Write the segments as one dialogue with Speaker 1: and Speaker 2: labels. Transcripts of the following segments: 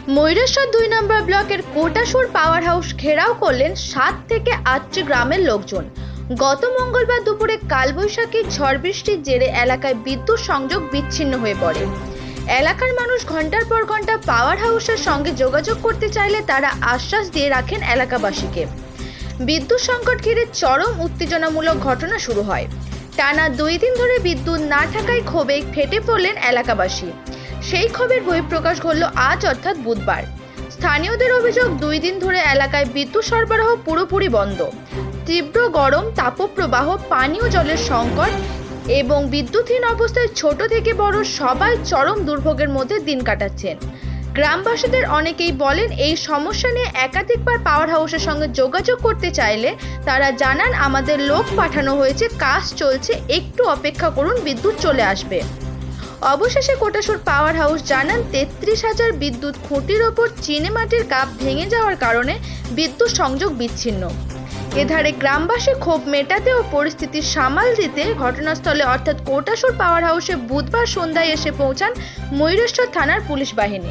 Speaker 1: ময়ূরেশ্বর ২ নম্বর ব্লকের কোটাসুর power house ঘেরাও করলেন ৭ থেকে ৮টি গ্রামের লোকজন। গত মঙ্গলবার দুপুরে কালবৈশাখী ঝড় বৃষ্টির জেরে এলাকায় বিদ্যুৎ সংযোগ বিচ্ছিন্ন হয়ে পড়ে। এলাকার মানুষ ঘন্টার পর ঘন্টা পাওয়ার হাউসের সঙ্গে যোগাযোগ করতে চাইলে তারা আশ্বাস দিয়ে রাখেন এলাকাবাসীকে। বিদ্যুৎ সংকট ঘিরে চরম উত্তেজনামূলক ঘটনা শুরু হয়। টানা ২ দিন ধরে বিদ্যুৎ না থাকায় ক্ষোভে ফেটে পড়লেন এলাকাবাসী। সেই ক্ষোভের বহিঃপ্রকাশ ঘটল আজ অর্থাৎ বুধবার। স্থানীয়দের অভিযোগ, ২ দিন ধরে এলাকায় বিদ্যুৎ সরবরাহ পুরোপুরি বন্ধ। তীব্র গরম, তাপপ্রবাহ, পানীয় জলের সংকট এবং বিদ্যুৎহীন অবস্থায় ছোট থেকে বড় সবাই চরম দুর্ভোগের মধ্যে দিন কাটাচ্ছেন। গ্রামবাসীদের অনেকেই বলেন, এই সমস্যা নিয়ে একাধিকবার পাওয়ার হাউসের সঙ্গে যোগাযোগ করতে চাইলে তারা জানান, আমাদের লোক পাঠানো হয়েছে, কাজ চলছে, একটু অপেক্ষা করুন, বিদ্যুৎ চলে আসবে। অবশেষে কোটাসুর পাওয়ার হাউস জানান, ৩৩,০০০ বিদ্যুৎ খুঁটির ওপর চিনেমাটির কাপ ভেঙে যাওয়ার কারণে বিদ্যুৎ সংযোগ বিচ্ছিন্ন। এধারে গ্রামবাসী ক্ষোভ মেটাতে ও পরিস্থিতি সামাল দিতে ঘটনাস্থলে অর্থাৎ কোটাসুর পাওয়ার হাউসে বুধবার সন্ধ্যায় এসে পৌঁছান ময়ূরেশ্বর থানার পুলিশ বাহিনী।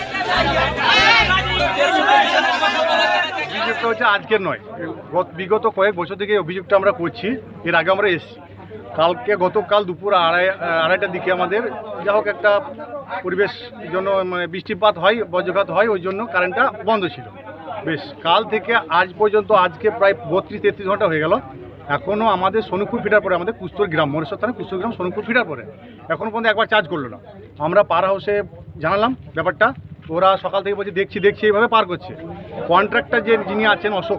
Speaker 2: অভিযোগটা হচ্ছে আজকের নয়, বিগত কয়েক বছর থেকে অভিযোগটা আমরা করছি। এর আগে আমরা এসেছি। গতকাল দুপুর আড়াইটার দিকে আমাদের যা হোক একটা পরিবেশ জন্য বৃষ্টিপাত হয়, বজ্রপাত হয়, ওই জন্য কারেন্টটা বন্ধ ছিল। বেশ কাল থেকে আজ পর্যন্ত আজকে প্রায় ৩২-৩৩ ঘন্টা হয়ে গেল। এখনও আমাদের সোনুপুর ফিটার পরে, আমাদের কুস্তর গ্রাম, ময়ূরেশ্বর থানা কুস্তর গ্রাম সোনুপুর ফিটার পরে এখনও পর্যন্ত একবার চার্জ করলো না। আমরা পাওয়ার হাউসে জানালাম ব্যাপারটা, ওরা সকাল থেকে বলছে দেখছি এইভাবে পার করছে। কন্ট্রাক্টর যিনি আছেন অশোক,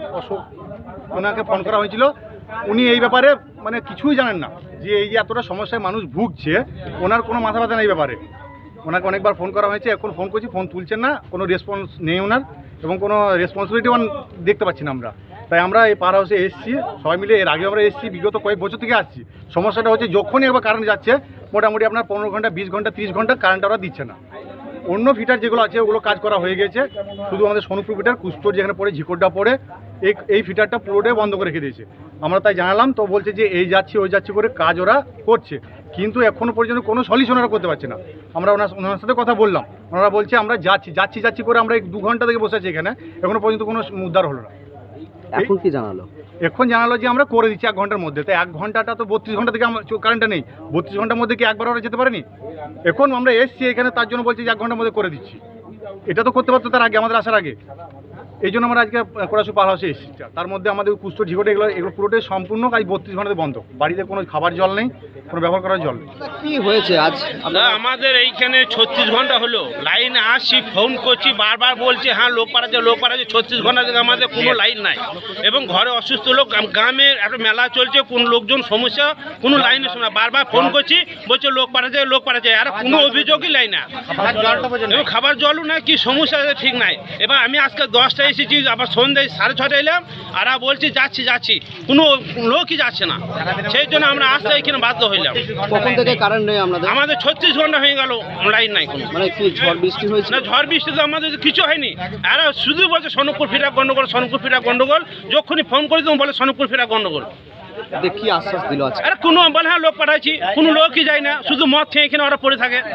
Speaker 2: ওনাকে ফোন করা হয়েছিল। উনি এই ব্যাপারে কিছুই জানেন না, যে এই যে এতটা সমস্যায় মানুষ ভুগছে, ওনার কোনো মাথা ব্যথা নেই ব্যাপারে। ওনাকে অনেকবার ফোন করা হয়েছে, এখন ফোন করছি, ফোন তুলছেন না, কোনো রেসপন্স নেই ওনার, এবং কোনো রেসপন্সিবিলিটি দেখতে পাচ্ছি না আমরা। তাই আমরা এই পাওয়ার হাউসে এসেছি সবাই মিলে। এর আগে আমরা এসেছি, বিগত কয়েক বছর থেকে আসছি। সমস্যাটা হচ্ছে যখনই একবার কারেন্ট যাচ্ছে, মোটামুটি আপনার 15 ঘন্টা, 20 ঘন্টা, 30 ঘন্টা কারেন্ট ওরা দিচ্ছে না। অন্য ফিটার যেগুলো আছে ওগুলো কাজ করা হয়ে গেছে, শুধু আমাদের সোনুপুর ফিটার কুস্তর যেখানে পড়ে, ঝিকোড্ডা পড়ে, এই ফিটারটা পুরোটাই বন্ধ করে রেখে দিয়েছে। আমরা তাই জানালাম, তো বলছে যে এই যাচ্ছি ওই যাচ্ছি করে কাজ ওরা করছে, কিন্তু এখনও পর্যন্ত কোনো সলিউশন ওরা করতে পারছে না। আমরা ওনার সাথে কথা বললাম, ওনারা বলছে আমরা যাচ্ছি করে আমরা 2 ঘন্টা থেকে বসে আছি এখানে, এখনও পর্যন্ত কোনো উদ্ধার হলো না।
Speaker 3: এখন কি জানালো?
Speaker 2: এখন জানালো যে আমরা করে দিচ্ছি 1 ঘন্টার মধ্যে। তাই 1 ঘন্টাটা তো 32 ঘন্টা থেকে কারেন্টটা নেই। 32 ঘন্টার মধ্যে কি একবার ওরা যেতে পারেনি? এখন আমরা এসছি এখানে, তার জন্য বলছি যে 1 ঘন্টার মধ্যে করে দিচ্ছি। এটা তো করতে পারতো তার আগে, আমাদের আসার আগে। এই জন্য আমরা আজকে কোটাসুর পাওয়ার হাউসে এসেছি। তার মধ্যে আমাদের কুস্তর, ঝিকোটা এগুলো পুরোটাই সম্পূর্ণ কাজ 32 ঘন্টাতে বন্ধ। বাড়িতে কোনো খাবার জল নেই, কোনো ব্যবহার করার জল নেই।
Speaker 3: কি হয়েছে আজ?
Speaker 4: আমাদের এইখানে 36 ঘন্টা হলো লাইন আসছি, ফোন করছি, বারবার বলছে হ্যাঁ লোক পাঠাচ্ছে 36 ঘন্টা থেকে আমাদের কোনো লাইন নাই, এবং ঘরে অসুস্থ লোক, গ্রামের একটা মেলা চলছে, কোন লোকজন সমস্যা, কোনো লাইনের সময় বারবার ফোন করছি, বলছে লোক পাঠাচ্ছে, আর কোনো অভিযোগই লাই না, এবং খাবার জলও না, কি সমস্যা ঠিক নাই। এবার আমি আজকে 10টায় এসেছি, আবার সন্ধ্যায় 6:30 এলাম, আর বলছি যাচ্ছি, কোনো লোকই যাচ্ছে না। সেই জন্য আমরা আসতে এখানে বাধ্য হইলাম।
Speaker 3: কখন থেকে কারেন্ট নেই
Speaker 4: আমাদের 36 ঘন্টা হয়ে গেল, লাইন নাই কোনো।
Speaker 3: কি ঝড় বৃষ্টি হয়েছে?
Speaker 4: না, ঝড় বৃষ্টি তো আমাদের কিছু হয়নি। আর শুধু বলছে সোনুপুর ফিরা গন্ডগোল, যখনই ফোন করে তুমি বলে সোনুপুর ফিরা গন্ডগোল।
Speaker 3: কি আশ্বাস দিল আজকে?
Speaker 4: আরে কোনো বলে হ্যাঁ লোক পাঠাচ্ছি, কোনো লোকই যায় না, শুধু মদ খেয়ে এখানে ওরা পড়ে থাকে।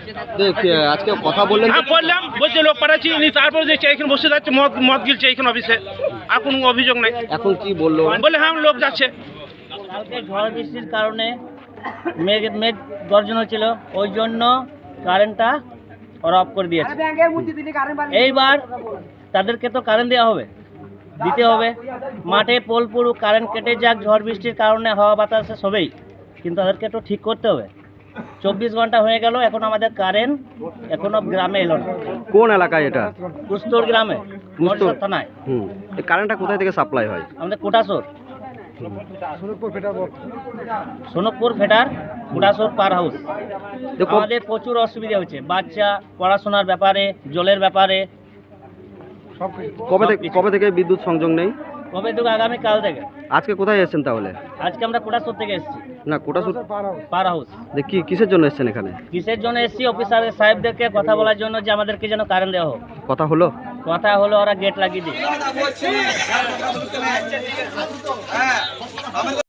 Speaker 3: আজকে কথা বললেন?
Speaker 4: হ্যাঁ বললাম, বলছে লোক পাঠাচ্ছি, তারপরে দেখছি এখানে বসে যাচ্ছে, মদ গিলছে এখানে অফিসে, আর কোনো অভিযোগ নাই।
Speaker 3: এখন কি বললো?
Speaker 4: বলে হ্যাঁ লোক যাচ্ছে।
Speaker 5: কালকে ঝড় বৃষ্টির কারণে মেঘ গর্জন হচ্ছিল, ওই জন্য কারেন্টটা ওরা অফ করে দিয়েছে। এইবার তাদেরকে তো কারেন্ট দিতে হবে। মাঠে পোল পুরো কারেন্ট কেটে যাক, ঝড় বৃষ্টির কারণে হাওয়া বাতাসে সবেই, কিন্তু তাদেরকে তো ঠিক করতে হবে। 24 ঘন্টা হয়ে গেল, এখন আমাদের কারেন্ট এখনো গ্রামে এলো না।
Speaker 3: কোন এলাকায় এটা?
Speaker 5: কুস্তর গ্রামে, ময়ূরেশ্বর থানায়।
Speaker 3: এই কারেন্টটা কোথায় থেকে সাপ্লাই হয়?
Speaker 5: আমাদের কোটাসুর সোনকপুর ফেটার কোটাসুর পাওয়ার হাউস। আমাদের প্রচুর অসুবিধা হচ্ছে, বাচ্চা পড়াশোনার ব্যাপারে, জলের ব্যাপারে।
Speaker 3: কবে থেকে বিদ্যুৎ সংযোগ নেই?
Speaker 5: কবে থেকে? আগামীকাল থেকে।
Speaker 3: আজকে কোথায় এসেছেন তাহলে?
Speaker 5: আজকে আমরা কোটাসুর থেকে এসেছি।
Speaker 3: না, কোটাসুর
Speaker 5: পাওয়ার হাউস।
Speaker 3: কিসের জন্য এসেছেন এখানে?
Speaker 5: কিসের জন্য এসেছি? অফিসার সাহেবদেরকে কথা বলার জন্য, যে আমাদেরকে যেন কারেন্ট দেওয়া হোক।
Speaker 3: কথা হলো,
Speaker 5: ওরা গেট লাগিয়ে দিই।